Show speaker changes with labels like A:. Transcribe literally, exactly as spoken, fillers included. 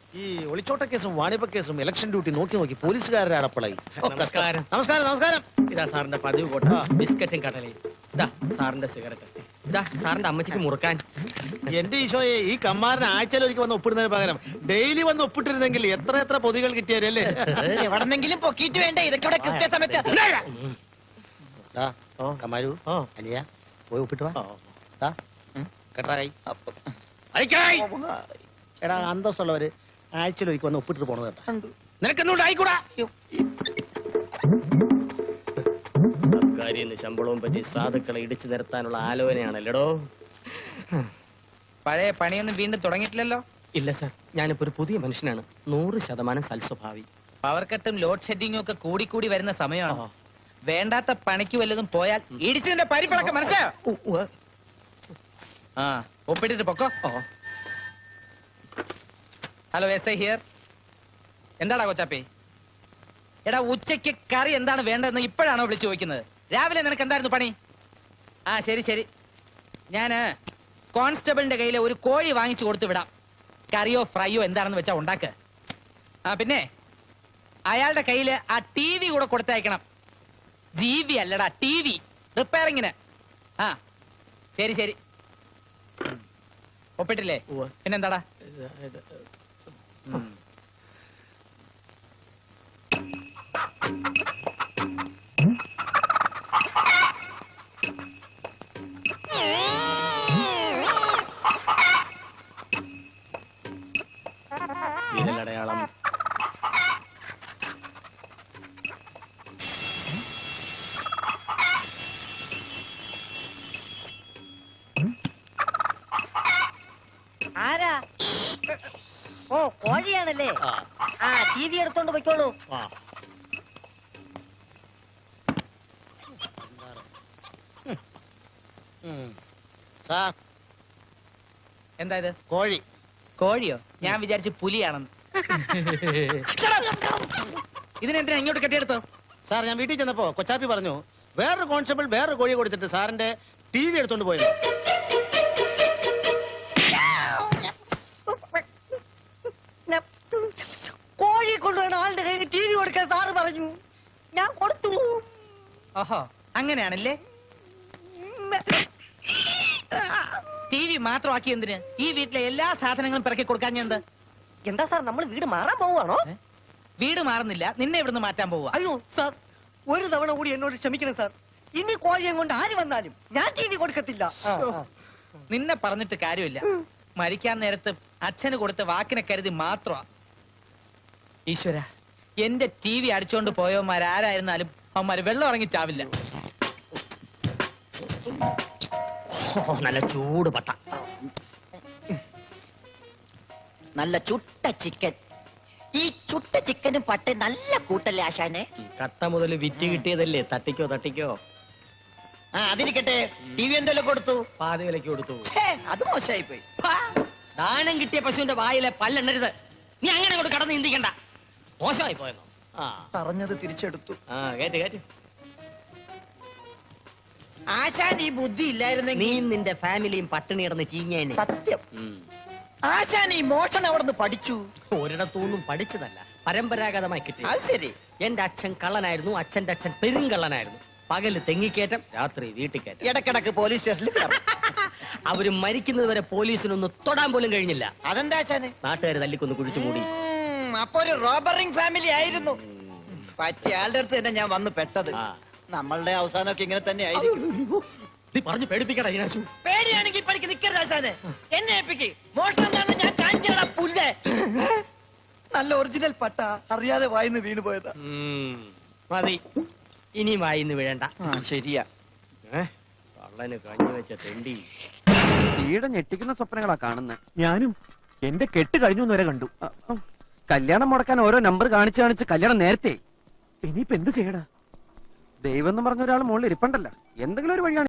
A: ഈ ഒളിച്ചോട്ട കേസും വാണിപ കേസും ഇലക്ഷൻ ഡ്യൂട്ടി നോക്കി നോക്കി പോലീസുകാരുടെ അടപ്പളായി.
B: നമസ്കാരം.
A: നമസ്കാരം നമസ്കാരം.
B: ഇതാ സാറിന്റെ പതിവ് കോട്ട ബിസ്ക്കറ്റും കടലയും. ഇതാ സാറിന്റെ സിഗരറ്റ്. ഇതാ സാറിന്റെ അമ്മച്ചിക്ക് മുറുക്കാൻ.
A: എന്റെ ഈശോയെ, ഈ കമ്മാരൻ ആഴ്ചയിൽ ഒരിക്കൽ വന്ന് ഒപ്പിടുന്നതിന് പകരം ഡെയിലി വന്ന് ഒപ്പിട്ടിരുന്നെങ്കിൽ എത്ര എത്ര പൊതികൾ കിട്ടിയാലേ.
C: എവിടെന്നെങ്കിലും പൊക്കിയിട്ട് വേണ്ടേ ഇതൊക്കെ ഇവിടെ കൃത്യസമയത്ത്.
A: കമാരു അനിയ പോയി ഒപ്പിട്ട് വാ. കേട്ടാ കൈ. എടാ, അന്തസ്സുള്ളവര് ആഴ്ചയിൽ ഒരിക്കൽ വന്ന് ഒപ്പിട്ടിട്ട് പോണത് കേട്ടോ. നിനക്കെന്നോണ്ട് ആയിക്കൂടാ.
B: സർക്കാരിന്ന് ശമ്പളവും പറ്റി സാധുക്കളെ ഇടിച്ചു നിരത്താനുള്ള ആലോചനയാണല്ലോ.
C: പഴയ പണിയൊന്നും വീണ്ടും തുടങ്ങിയിട്ടില്ലല്ലോ.
B: ഇല്ല സാർ, ഞാനിപ്പോ ഒരു പുതിയ മനുഷ്യനാണ്. നൂറ് ശതമാനം സൽസ്വഭാവി.
C: പവർ കട്ടും ലോഡ് ഷെഡിങ്ങും ഒക്കെ കൂടി കൂടി വരുന്ന സമയമാണ്. വേണ്ടാത്ത പണിക്ക് വല്ലതും പോയാൽ ഇടിച്ചതിന്റെ പരിപ്പിളക്കം മനസ്സിലായോ? ആ, ഒപ്പിട്ടിട്ട് പൊക്കോ. Hello, S I here. എന്താടാ കൊച്ചാപ്പി? എടാ, ഉച്ചയ്ക്ക് കറി എന്താണ് വേണ്ടതെന്ന് ഇപ്പോഴാണോ വിളിച്ചു ചോദിക്കുന്നത്? രാവിലെ നിനക്ക് എന്തായിരുന്നു പണി? ആ, ശരി ശരി, ഞാന് കോൺസ്റ്റബിളിന്റെ കയ്യിൽ ഒരു കോഴി വാങ്ങിച്ചു കൊടുത്തു വിടാം. കറിയോ ഫ്രൈയോ എന്താണെന്ന് വെച്ചാ ഉണ്ടാക്ക്. ആ, പിന്നെ അയാളുടെ കയ്യില് ആ ടി വി കൂടെ കൊടുത്തയക്കണം. ജി വി അല്ലടാ, ടി വി റിപ്പയറിങ്ങിന്. ആ, ശരി ശരി. ഒപ്പിട്ടില്ലേ? പിന്നെന്താടാ?
B: വിരലടയാളം.
D: ആരാ? ഓ, കോഴിയാണല്ലേ. ആ, ടി വി എടുത്തോണ്ട് പോയിക്കോളൂ.
A: സാർ,
C: എന്താ ഇത്?
A: കോഴി.
C: കോഴിയോ? ഞാൻ വിചാരിച്ചു പുലിയാണെന്ന്. ഇതിനെന്തിനാ ഇങ്ങോട്ട് കെട്ടിയെടുത്തോ?
A: സാർ, ഞാൻ വീട്ടിൽ ചെന്നപ്പോ കൊച്ചാപ്പി പറഞ്ഞു വേറൊരു കോൺസ്റ്റബിൾ വേറൊരു കോഴി കൊടുത്തിട്ട് സാറിന്റെ ടി വി എടുത്തോണ്ട് പോയത്.
D: കോഴി കൊണ്ടുപോണ ആളുടെ കയ്യിൽ ടി വി കൊടുക്കാൻ സാറ് പറഞ്ഞു. ഞാൻ കൊടുത്തു.
C: ഓഹോ, അങ്ങനെയാണല്ലേ. ടി വി മാത്രമാക്കി എന്തിന്? ഈ വീട്ടിലെ എല്ലാ സാധനങ്ങളും പിറക്കി കൊടുക്കാൻ ഞാൻ എന്താ?
D: എന്താ സാർ, നമ്മൾ വീട് മാറാൻ പോവാണോ?
C: വീട് മാറുന്നില്ല, നിന്നെ ഇവിടുന്ന് മാറ്റാൻ പോവുക.
D: അയ്യോ സാർ, ഒരു തവണ കൂടി എന്നോട് ക്ഷമിക്കണം സാർ. ഇനി കോഴിയെ കൊണ്ട് ആര് വന്നാലും ഞാൻ ടി വി കൊടുക്കത്തില്ല.
C: നിന്നെ പറഞ്ഞിട്ട് കാര്യമില്ല. മരിക്കാൻ നേരത്ത് അച്ഛന് കൊടുത്ത വാക്കിനെ കരുതി മാത്രമാ. ഈശ്വര, എന്റെ ടി വി അടിച്ചോണ്ട് പോയവന്മാരാരായിരുന്നാലും അവന്മാര് വെള്ളം ഇറങ്ങി ചാവില്ല.
B: നല്ല ചൂട് പട്ട.
D: നല്ല ചുട്ട ചിക്കൻ. ഈ ചുട്ട ചിക്കനും പട്ട നല്ല കൂട്ടല്ലേ ആശാനെ?
B: കട്ട മുതൽ വിറ്റ് കിട്ടിയതല്ലേ, തട്ടിക്കോ തട്ടിക്കോ.
D: ആ, അതിരിക്കട്ടെ. ടി വി എന്തെല്ലാം കൊടുത്തു?
B: പാതി വിലക്ക് കൊടുത്തു.
D: അത് മോശമായി പോയി.
B: ദാനം കിട്ടിയ പശുവിന്റെ വായിലെ പല്ലെണ്ണരുത്. നീ അങ്ങനെ കൊണ്ട് കടന്ന് ചിന്തിക്കണ്ട. മോശമായി പോയെന്നോ? ആ,
D: പറഞ്ഞത് തിരിച്ചെടുത്തു.
B: ആ, കേറ്റ് കേറ്റ്.
D: ആശാൻ ഈ ബുദ്ധി ഇല്ലായിരുന്നെങ്കിൽ
B: നീ നിന്റെ ഫാമിലിയും പട്ടിണി കിടന്ന് ചീഞ്ഞേനെ.
D: സത്യം. ആശാൻ ഈ മോഷണം അവിടുന്ന് പഠിച്ചു.
B: ഒരിടത്തൊന്നും പഠിച്ചതല്ല, പരമ്പരാഗതമായി കിട്ടി.
D: അത് ശരി.
B: എന്റെ അച്ഛൻ കള്ളനായിരുന്നു, അച്ഛന്റെ അച്ഛൻ പെരുങ്കള്ളനായിരുന്നു. പകല് തെങ്ങിക്കയറ്റം, രാത്രി വീട്ടിൽ കയറ്റം.
D: ഇടക്കിടക്ക് പോലീസ് സ്റ്റേഷനിൽ
B: അവര് മരിക്കുന്നത് വരെ പോലീസിനൊന്ന് തൊടാൻ പോലും കഴിഞ്ഞില്ല.
D: അതെന്താ ആശാന്?
B: നാട്ടുകാർ തല്ലിക്കൊന്ന് കുഴിച്ചു മൂടി.
D: അപ്പൊ ഒരു റോബറിംഗ് ഫാമിലി ആയിരുന്നു. പറ്റിയ ആളുടെ അടുത്ത് തന്നെ ഞാൻ വന്ന് പെട്ടത്. നമ്മളുടെ അവസാനമൊക്കെ ഇങ്ങനെ തന്നെ ആയിരിക്കും.
B: നീ പറഞ്ഞു പേടിപ്പിക്കടാ ഇതിനാശു.
D: പേടിയാണെങ്കിൽ പഠിക്ക് നിൽക്കരുത് ആശാനെ. എന്നെ ഏൽപ്പിക്ക്. മോഷണം എന്താണെന്ന് ഞാൻ കാണിച്ചടാ പുല്ലേ. നല്ല ഒറിജിനൽ പട്ട അറിയാതെ വായിന്ന് വീണു പോയതാ.
B: മതി, ഇനി വായിന്ന് വീഴണ്ട.
D: ശരിയാ.
B: കള്ളന് കഞ്ഞി വെച്ച തെണ്ടി.
E: തീയുടെ ഞെട്ടിക്കുന്ന സ്വപ്നങ്ങളാ കാണുന്നത്. ഞാനും എന്റെ കെട്ട് കഴിഞ്ഞു വരെ കണ്ടു. കല്യാണം മുടക്കാൻ ഓരോ നമ്പർ കാണിച്ച് കാണിച്ച് കല്യാണം നേരത്തെ. ഇനിയിപ്പോ എന്ത് ചെയ്യടാ? ദൈവം എന്ന് പറഞ്ഞ ഒരാൾ മുകളിൽ ഇരിപ്പണ്ടല്ലോ. എന്തെങ്കിലും ഒരു വഴിയാണ്.